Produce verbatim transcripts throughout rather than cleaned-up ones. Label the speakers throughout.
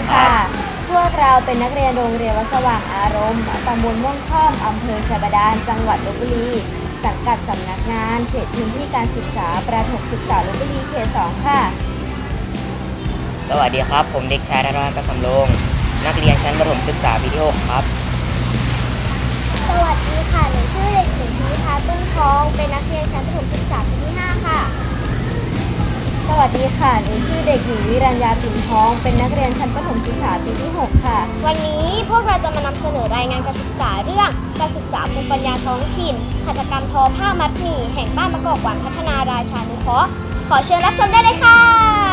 Speaker 1: ค่ะพวกเราเป็นนักเรียนโรงเรียนวัดสว่างอารมณ์ตำบลม่วงค่อมอำเภอชัยบาดาลจังหวัดลพบุรีสังกัดสำนักงานเขตพื้นที่การศึกษาประถมศึกษาลพบุรีเขตสองค่ะ
Speaker 2: สวัสดีครับผมเด็กชายธนรัตน์กสำโรงนักเรียนชั้นประถมศึกษาปีที่หกครับ
Speaker 3: สวัสดีค่ะหนูชื่อเด็กหญิงพิมพ์ตุ้งทองเป็นนักเรียนชั้นประถมศึกษาปีที่ห้าค่ะ
Speaker 1: สวัสดีค่ะหนูชื่อเด็กหญิงวิรัญญาปิ่นทองเป็นนักเรียนชั้นประถมศึกษาปีที่หกค่ะ
Speaker 3: วันนี้พวกเราจะมานำเสนอรายงานการศึกษาเรื่องการศึกษาภูมิปัญญาท้องถิ่นหัตถกรรมทอผ้ามัดหมี่แห่งบ้านมะกอกหวานพัฒนาราชานุเคราะห์ขอเชิญรับชมได้เลยค่ะ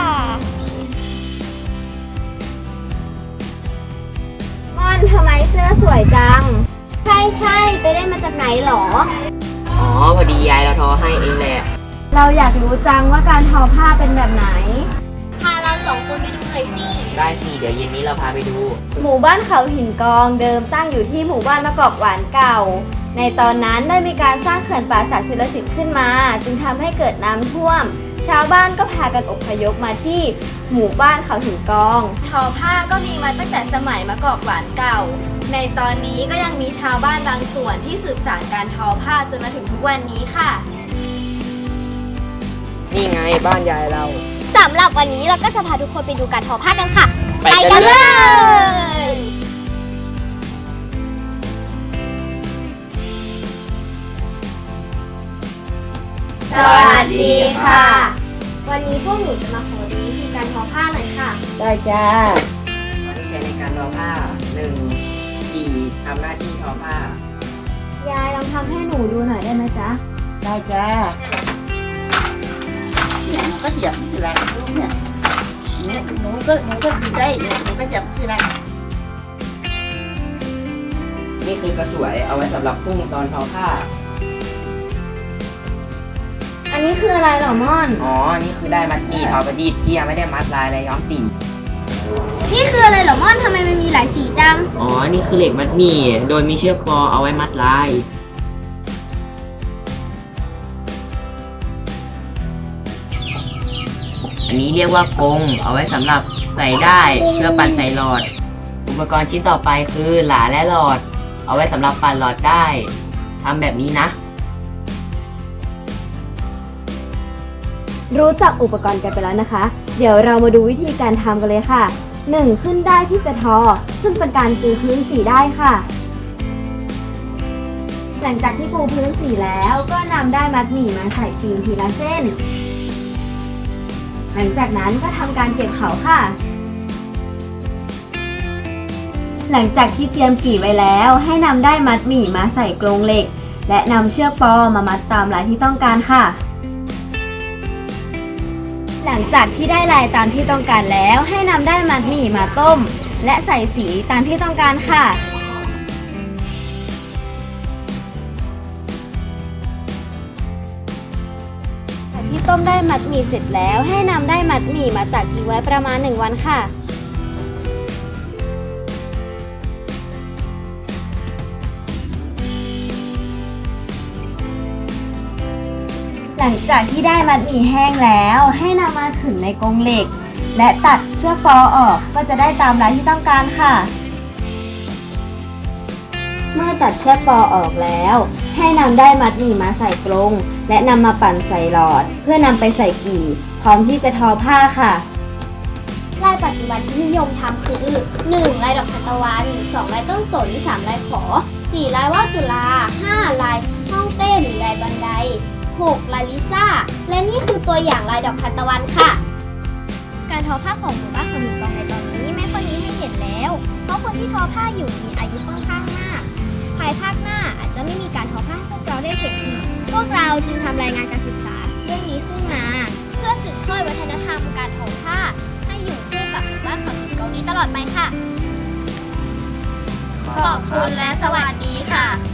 Speaker 1: ม่อนทำไมเสื้อสวยจัง
Speaker 3: ใช่ใช่ไปได้มาจากไหนหรอ
Speaker 2: อ๋อพอดียายเราทอให้เองแหละ
Speaker 1: เราอยากรู้จังว่าการทอผ้าเป็นแบบไหน
Speaker 3: พาเราสองคนไปดูหน่อยสิ
Speaker 2: ได้สิเดี๋ยวเย็นนี้เราพาไปดู
Speaker 1: หมู่บ้านเขาหินกองเดิมตั้งอยู่ที่หมู่บ้านมะกอกหวานเก่าในตอนนั้นได้มีการสร้างเขื่อนป่าสักชลสิทธิ์ขึ้นมาจึงทำให้เกิดน้ำท่วมชาวบ้านก็พากันอพยพมาที่หมู่บ้านเขาหินกองทอผ้าก็มีมาตั้งแต่สมัยมะกอกหวานเก่าในตอนนี้ก็ยังมีชาวบ้านบางส่วนที่สืบสานการทอผ้าจนมาถึงทุกวันนี้ค่ะ
Speaker 2: นี่ไงบ้านยายเรา
Speaker 3: สำหรับวันนี้เราก็จะพาทุกคนไปดูการทอผ้ากันค่ะ
Speaker 2: ไปกันเลย
Speaker 1: สวัสดีค่ะ
Speaker 3: วันนี้พวกหนูจะมาขอดูวิธีการทอผ้าหน่อยค่ะ
Speaker 1: ได้จ้า
Speaker 2: วันที่ใช้ในการทอผ้าหนึ่งกี่ทำหน้าที่ทอผ้าย
Speaker 1: ายลองทำให้หนูดูหน่อยได้ไหมจ๊ะ
Speaker 4: ได้จ้าเนี่ยหนูก็เหยียบทีละลูกเนี่ยหนูหนูก็หนูก็คือได้หนูหนูก็เหยียบทีละ
Speaker 2: นี่คือกระสวยเอาไว้สำหรับพุ่งตอนทอผ้า
Speaker 1: อันนี้คืออะไรเหรอม่อน
Speaker 2: อ๋อนี่คือได้มัดหมี่ทอประดิษฐ์ที่ยังไม่ได้มัดลายและย้อมสี
Speaker 3: นี่คืออะไรเหรอม่อนทำไมมันมีหลายสีจัง
Speaker 2: อ๋อนี่คือเหล็กมัดหมี่โดยมีเชือกปอเอาไว้มัดลายอันนี้เรียกว่ากงเอาไว้สำหรับใส่ได้เพื่อปั่นใส่หลอดอุปกรณ์ชิ้นต่อไปคือหลาและหลอดเอาไว้สำหรับปั่นหลอดได้ทำแบบนี้นะ
Speaker 1: รู้จักอุปกรณ์กันไปแล้วนะคะเดี๋ยวเรามาดูวิธีการทำกันเลยค่ะหนึ่งขึ้นได้ที่จะทอซึ่งเป็นการปูพื้นสีได้ค่ะหลังจากที่ปูพื้นสีแล้วก็นำได้มัดหมี่มาใส่พิมพ์ทีละเส้นหลังจากนั้นก็ทำการเก็บเขาค่ะหลังจากที่เตรียมกี่ไว้แล้วให้นำได้มัดหมี่มาใส่กรงเหล็กและนำเชือกปอมามัดตามลายที่ต้องการค่ะหลังจากที่ได้ลายตามที่ต้องการแล้วให้นำได้มัดหมี่มาต้มและใส่สีตามที่ต้องการค่ะที่ต้มได้มัดหมี่เสร็จแล้วให้นำได้มัดหมี่มาตักทิ้งไว้ประมาณหนึ่งวันค่ะหลังจากที่ได้มัดหมี่แห้งแล้วให้นำมาขึงในกรงเหล็กและตัดเชือกฟอออกก็จะได้ตามลายที่ต้องการค่ะเมื่อตัดเชือกฟอออกแล้วให้นำได้มัดหมี่มาใส่กรงและนำมาปั่นใส่หลอดเพื่อนำไปใส่กี่พร้อมที่จะทอผ้าค่ะ
Speaker 3: ลายปัจจุบันที่นิยมทำคือ หนึ่ง ลายดอกทานตะวัน สอง ลายต้นสน สาม ลายขอ สี่ ลายว่าวจุฬา ห้า ลายฮ่องเต้หรือลายบันได หก ลายลิซ่าและนี่คือตัวอย่างลายดอกทานตะวันค่ะการทอผ้าของหมู่บ้านขนุนกองในตอนนี้ไม่ค่อยมีให้เห็นแล้วเพราะคนที่ทอผ้าอยู่มีอายุค่อนข้างมากภายภาคหน้าอาจจะไม่มีการทอผ้าให้พวกเราได้เห็นอีกพวกเราจึงทำรายงานการศึกษาเรื่องนี้ขึ้นมาเพื่อสืบทอดวัฒนธรรมการทอผ้าให้อยู่คู่กับหมู่บ้านขนุนกองนี้ตลอดไปค่ะขอบคุณและสวัสดีค่ะ